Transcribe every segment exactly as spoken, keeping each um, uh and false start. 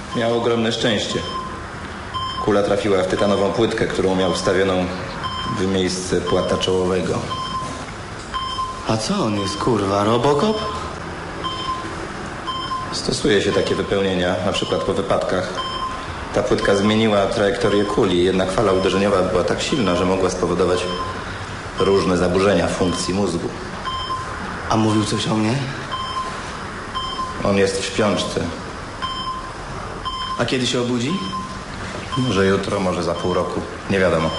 Miał ogromne szczęście. Kula trafiła w tytanową płytkę, którą miał wstawioną w miejsce płata czołowego. A co on jest, kurwa, Robocop? Stosuje się takie wypełnienia, na przykład po wypadkach. Ta płytka zmieniła trajektorię kuli, jednak fala uderzeniowa była tak silna, że mogła spowodować różne zaburzenia funkcji mózgu. A mówił coś o mnie? On jest w śpiączce. A kiedy się obudzi? Może jutro, może za pół roku. Nie wiadomo.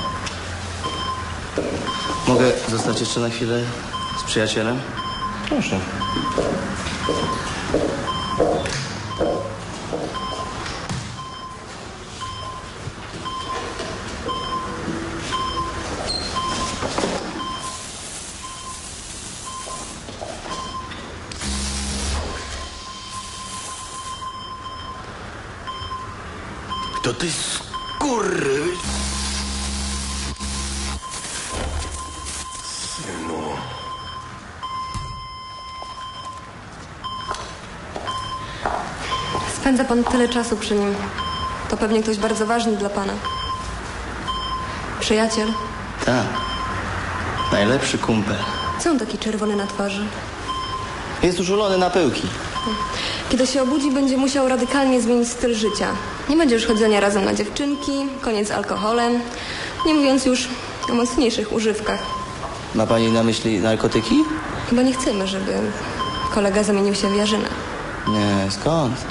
Mogę zostać jeszcze na chwilę z przyjacielem? Proszę. To ty skurry... Synu... Spędza pan tyle czasu przy nim. To pewnie ktoś bardzo ważny dla pana. Przyjaciel? Tak. Najlepszy kumpel. Co on taki czerwony na twarzy? Jest użulony na pyłki. Kiedy się obudzi, będzie musiał radykalnie zmienić styl życia. Nie będzie już chodzenia razem na dziewczynki, koniec z alkoholem, nie mówiąc już o mocniejszych używkach. Ma pani na myśli narkotyki? Chyba nie chcemy, żeby kolega zamienił się w Jarzyna. Nie, skąd?